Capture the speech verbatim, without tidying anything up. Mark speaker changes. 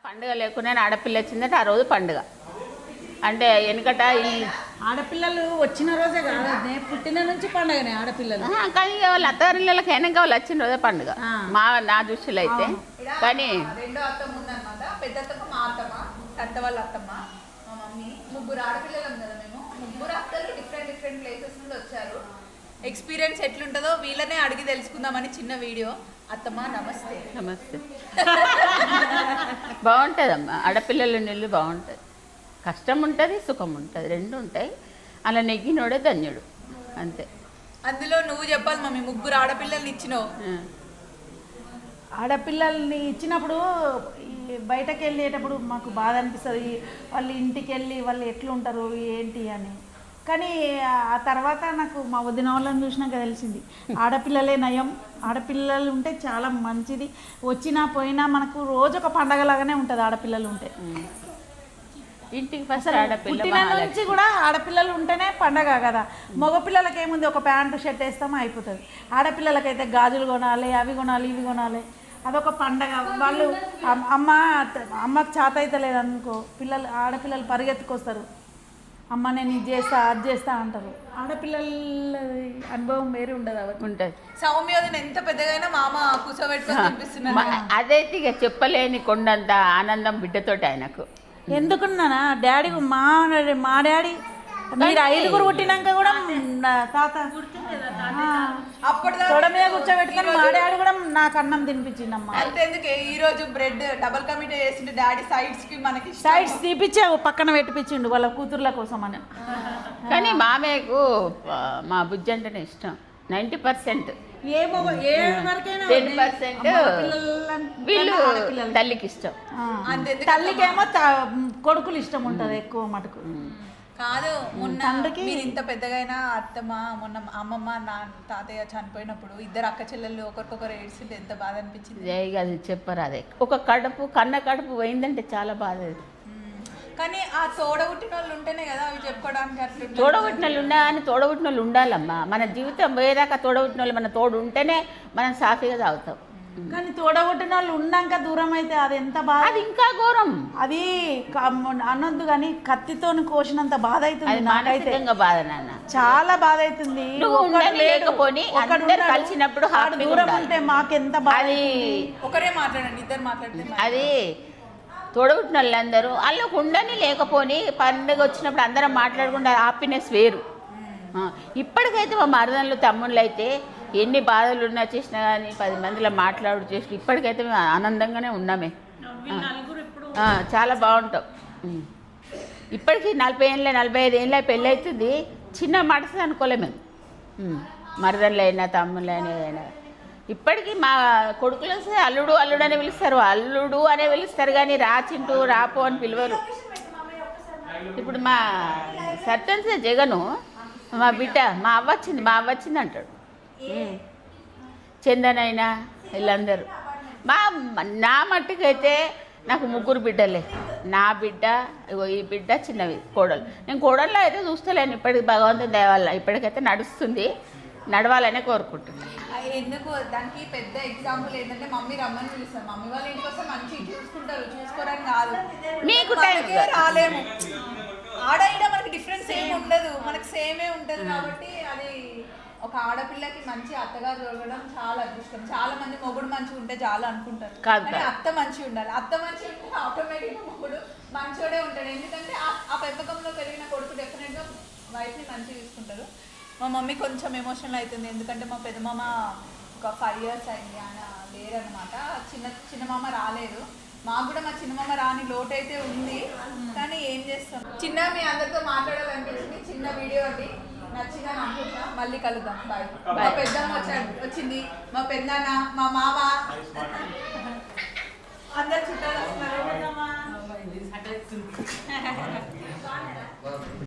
Speaker 1: పండుగ లేకుండా ఆడపిల్ల వచ్చిందంటే ఆ రోజు పండుగ అంటే వెనకట ఈ
Speaker 2: ఆడపిల్లలు వచ్చిన రోజే కాదు పుట్టిన నుంచి పండుగనే ఆడపిల్లలు
Speaker 1: కానీ వాళ్ళ అత్తగారిళ్ళకి వెనక వాళ్ళు వచ్చిన రోజే పండుగ మా నా దృష్టిలో అయితే కానీ
Speaker 3: రెండో అత్తమ్మ ఉందన్నమాట. పెద్ద అత్తమ్మ మా అత్తమ్మ, అత్త వాళ్ళ అత్తమ్మ, మా మమ్మీ, ముగ్గురు ఆడపిల్లలం కదా మేము. ముగ్గురు అత్తలు డిఫరెంట్ డిఫరెంట్ ప్లేసెస్ నుండి వచ్చారు. ఎక్స్పీరియన్స్ ఎట్లుంటుందో వీళ్ళనే అడిగి తెలుసుకుందామని చిన్న వీడియో. అత్తమ్మ నమస్తే.
Speaker 1: నమస్తే. బాగుంటుందమ్మా ఆడపిల్లల నీళ్ళు బాగుంటుంది. కష్టం ఉంటుంది, సుఖం ఉంటుంది, రెండు ఉంటాయి. అలా నెగ్గినోడే ధన్యుడు అంతే.
Speaker 3: అందులో నువ్వు చెప్పాలి మమ్మీ, ముగ్గురు ఆడపిల్లల్ని ఇచ్చినావు.
Speaker 2: ఆడపిల్లల్ని ఇచ్చినప్పుడు బయటకు వెళ్ళేటప్పుడు మాకు బాధ అనిపిస్తుంది. వాళ్ళు ఇంటికి వెళ్ళి వాళ్ళు ఎట్లుంటారు ఏంటి అని. కానీ ఆ తర్వాత నాకు మా వదిన వాళ్ళని చూసినాక తెలిసింది ఆడపిల్లలే నయం, ఆడపిల్లలు ఉంటే చాలా మంచిది. వచ్చినా పోయినా మనకు రోజు ఒక పండగలాగానే ఉంటుంది ఆడపిల్లలు ఉంటే.
Speaker 1: ఇంటికి ఫస్ట్ ఆడపిల్ల
Speaker 2: పుట్టిన నుంచి కూడా ఆడపిల్లలు ఉంటేనే పండగ కదా. మగపిల్లలకి ఏముంది, ఒక ప్యాంటు షర్ట్ వేస్తామో అయిపోతుంది. ఆడపిల్లలకైతే గాజులు కొనాలి, అవి కొనాలి, ఇవి కొనాలి. అదొక పండగ. వాళ్ళు అమ్మ అమ్మకు చేత అయితే లేదనుకో, పిల్లలు ఆడపిల్లలు పరిగెత్తుకొస్తారు, అమ్మ నేను ఇది చేస్తా అది చేస్తా అంటారు. ఆడపిల్లల అనుభవం వేరే ఉండదు అవన్నీ
Speaker 1: ఉంటుంది.
Speaker 3: సౌమ్యోదన ఎంత పెద్దగైనా మామ కూర్చోబెట్టుకొని తినిపిస్తున్నారు.
Speaker 1: అదైతే ఇక చెప్పలేని కొండంత ఆనందం బిడ్డతోటి ఆయనకు.
Speaker 2: ఎందుకున్నానా డాడీ మా మా డాడీ మీరు ఐదుగురు పుట్టినాక కూడా తాత
Speaker 3: అప్పుడు
Speaker 2: తొడ మీద కూర్చోబెట్టుకొని మా డాడీ కూడా నాకు అన్నం తినిపించిందమ్మా.
Speaker 3: అంతేందుకే ఈ రోజు బ్రెడ్ డబల్ కమిటీ చేసిండు డాడీ. సైడ్స్ కి మనకి
Speaker 2: సైడ్స్ తీపిచ్చే పక్కన పెట్టిపించిండు వాళ్ళ కూతుర్ల కోసం అని.
Speaker 1: కానీ మామయ్యకు మా బుజ్జి అంటేనే ఇష్టం. నైంటీ పర్సెంట్ టెన్ పర్సెంట్ వీళ్ళు తల్లికి ఇష్టం.
Speaker 2: తల్లికేమో కొడుకులు ఇష్టం ఉంటుంది ఎక్కువ మటుకు.
Speaker 3: కాదు మొన్న మీరు ఇంత పెద్దగైనా అత్తమ్మ మొన్న అమ్మమ్మ నా తాతయ్య చనిపోయినప్పుడు ఇద్దరు అక్క చెల్లెళ్ళు ఒకరికొకరు ఏడ్చింటే ఎంత బాధ అనిపించింది.
Speaker 1: అది చెప్పరు. అదే ఒక కడుపు కన్న కడుపు పోయిందంటే చాలా బాధ.
Speaker 3: కానీ ఆ తోడబుట్టిన వాళ్ళు ఉంటేనే కదా అవి చెప్పుకోవడానికి. అట్లా
Speaker 1: తోడబుట్టిన వాళ్ళు ఉండా అని తోడబుట్టిన వాళ్ళు ఉండాలమ్మా. మన జీవితం పోయేదాకా తోడబుట్టిన వాళ్ళు మన తోడు ఉంటేనే మనం సాఫీగా తాగుతాం.
Speaker 2: కానీ తోడగొట్టిన వాళ్ళు ఉన్నాక దూరం అయితే అది ఎంత బాధ.
Speaker 1: అది ఇంకా ఘోరం.
Speaker 2: అది అనొద్దు కానీ కత్తితో కోసినంత బాధ అవుతుంది నాకైతే.
Speaker 1: బాధ నాన్న,
Speaker 2: చాలా బాధ అవుతుంది.
Speaker 1: లేకపోని కలిసినప్పుడు
Speaker 2: దూరం ఉంటే మాకెంత బాధ.
Speaker 3: ఒకరే మాట్లాడండి, ఇద్దరు మాట్లాడితే
Speaker 1: అది తోడబుట్టిన వాళ్ళందరూ వాళ్ళకు ఉండని లేకపోని పండుగ వచ్చినప్పుడు అందరం మాట్లాడుకుంటే హ్యాపీనెస్ వేరు. ఇప్పటికైతే మా మరదళ్ళు తమ్ముళ్ళు అయితే ఎన్ని బాధలు ఉన్నా చేసినా కానీ పది మందిలో మాట్లాడు చేసి ఇప్పటికైతే మేము ఆనందంగానే ఉన్నామే. చాలా బాగుంటాం. ఇప్పటికీ నలభై ఏళ్ళ నలభై ఐదు ఏళ్ళ పెళ్ళి అవుతుంది. చిన్న మడసది అనుకోలే మేము. మరదళ్ళు అయినా తమ్ముళ్ళు అయినా అయినా ఇప్పటికీ మా కొడుకులు వస్తే అల్లుడు అల్లుడు అనే పిలుస్తారు, అల్లుడు అనే పిలుస్తారు కానీ రాచింటూ రాపో అని పిలవరు. ఇప్పుడు మా సర్పంచ్ జగను మా బిడ్డ మా అవ్వ వచ్చింది మా అవ్వ వచ్చింది అంటాడు. చందనైనా వీళ్ళందరూ మా నా మట్టుకైతే నాకు ముగ్గురు బిడ్డలే. నా బిడ్డ ఇగో ఈ బిడ్డ చిన్నవి కోడలు. నేను కోడల్లో అయితే చూస్తలేను ఇప్పటికి, భగవంతుని దయ వల్ల ఇప్పటికైతే నడుస్తుంది. నడవాలనే కోరుకుంటున్నాను.
Speaker 3: ఎందుకు దానికి పెద్ద ఎగ్జాంపుల్ ఏంటంటే మమ్మీ రమ్మని పిలుస్తారు. మమ్మీ వాళ్ళ ఇంటి కోసం మంచి చూసుకుంటారు, చూసుకోవడానికి కాదు.
Speaker 1: మీకు
Speaker 3: రాలేము. ఆడ ఈడ మనకి డిఫరెన్స్ ఏమి ఉండదు, మనకి సేమే ఉంటుంది. కాబట్టి అది ఒక ఆడపిల్లకి మంచి అత్తగారు దొరకడం చాలా అదృష్టం. చాలా మంది మొగుడు మంచిగా ఉంటే చాలా అనుకుంటారు, కానీ అత్త మంచిగా ఉండాలి. అత్త మంచిగా ఉంటే ఆటోమేటిక్గా మొగుడు మంచోడే ఉంటాడు. ఎందుకంటే ఆ పెంపకంలో పెరిగిన కొడుకు డెఫినెట్గా వైఫ్ని మంచిగా చూసుకుంటారు. మా మమ్మీ కొంచెం ఎమోషనల్ అవుతుంది, ఎందుకంటే మా పెద్దమామ ఒక ఫైవ్ ఇయర్స్ అయింది, ఆయన లేరనమాట. చిన్న చిన్నమామ రాలేదు. మాకు కూడా మా చిన్నమామ రాని లోటు అయితే ఉంది, కానీ ఏం చేస్తాం. చిన్న మీ అందరితో మాట్లాడాలనిపించింది. చిన్న వీడియో అండి, నచ్చిందని అనుకుంటున్నా. మళ్ళీ కలుద్దాం. బాయ్. మా పెద్దమ్మ వచ్చాడు వచ్చింది, మా పెద్దనాన్న, మా మామ, అందరు చుట్టాలు వస్తున్నారు.